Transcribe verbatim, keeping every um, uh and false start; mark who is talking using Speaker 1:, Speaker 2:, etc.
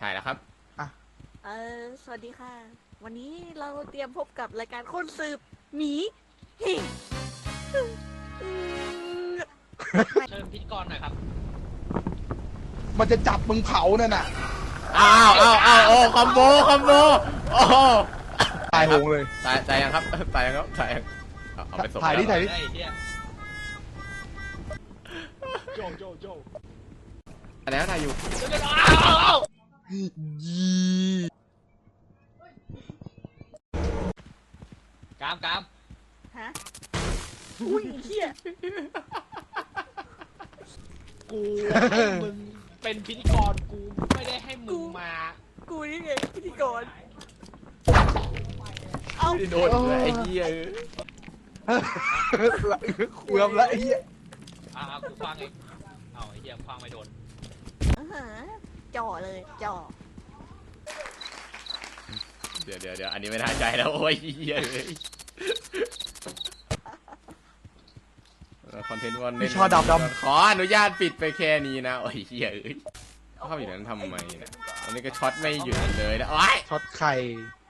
Speaker 1: ถ่ายแล้วครับ
Speaker 2: เออสวัสดีค่ะ วันนี้เราเตรียมพบกับรายการคนสืบหมีหิ่ง
Speaker 3: เชิญพิธีกรหน่อยครับ
Speaker 4: มันจะจับมึงเผานั่นน่ะ
Speaker 1: อ้าวอ้าวอ้าวโอ้คอมโบคอมโบโอ้
Speaker 4: ตายโหงเลย
Speaker 1: ตายตายยังครับตายยังครับตายยังเอาไปส่ง
Speaker 4: ถ่ายดิถ่ายดิ
Speaker 3: ไอ้เหี้ยโจโจโจ
Speaker 1: อันนี้ถ่ายอยู่
Speaker 4: ยี
Speaker 3: กามกาม
Speaker 2: ฮะอุ้ยเฮีย
Speaker 3: กูให้มึงเป็นพิธีกรกูไม่ได้ให้มึงมา
Speaker 2: กูนี่ไงพิธีกรเอา
Speaker 1: โดนเลยไอ้เหี้ย
Speaker 4: เกือบละไอ้เหี้ย
Speaker 3: อ่ากูฟังเองเอาไอ้เหี้ยฟังไม่โดน
Speaker 2: อาหาจ่อเลยจ่อ
Speaker 1: เดี๋ยวเดี๋ยวเดี๋ยวอันนี้ไม่น่าใจแล้วโอ้ยเหี้ยเลยคอนเทนต์วัน
Speaker 4: มีช่อดำดำ
Speaker 1: ขออนุญาตปิดไปแค่นี้นะโอ้ยเหี้ยเอ้ยเข้าอยู่นั้นทำไมเนี่ยอันนี้ก็ช็อตไม่หยุดเลยนะโอ้ย
Speaker 4: ช็อตไข่